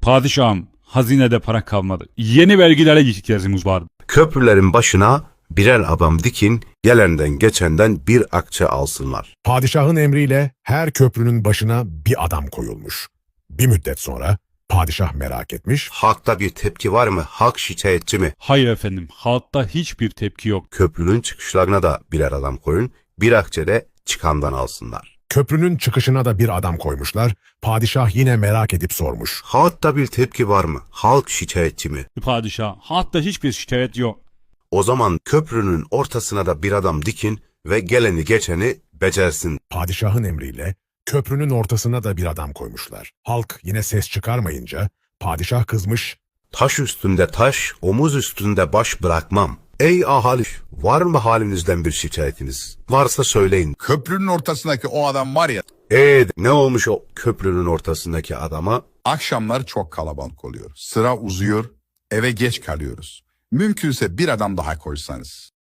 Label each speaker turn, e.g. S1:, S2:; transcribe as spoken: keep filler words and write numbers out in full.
S1: Padişahım, hazinede para kalmadı. Yeni vergilere ihtiyacımız vardı.
S2: Köprülerin başına birer adam dikin, gelenden geçenden bir akçe alsınlar.
S3: Padişahın emriyle her köprünün başına bir adam koyulmuş. Bir müddet sonra padişah merak etmiş,
S2: Halkta bir tepki var mı? Halk şikayetçi mi?
S1: Hayır efendim, halkta hiçbir tepki yok.
S2: Köprünün çıkışlarına da birer adam koyun, bir akçe de çıkandan alsınlar.
S3: köprünün çıkışına da bir adam koymuşlar. Padişah yine merak edip sormuş.
S2: Halkta bir tepki var mı? Halk şikayetçi mi?
S1: Padişah, halkta hiçbir şikayet yok.
S2: O zaman köprünün ortasına da bir adam dikin ve geleni geçeni becersin.
S3: Padişahın emriyle köprünün ortasına da bir adam koymuşlar. Halk yine ses çıkarmayınca padişah kızmış,
S2: Taş üstünde taş, omuz üstünde baş bırakmam. Ey ahali, var mı halinizden bir şikayetiniz? Varsa söyleyin.
S4: Köprünün ortasındaki o adam var ya,
S2: Eee ne olmuş o köprünün ortasındaki adama?
S4: akşamlar çok kalabalık oluyor. Sıra uzuyor, eve geç kalıyoruz. Mümkünse bir adam daha koysanız.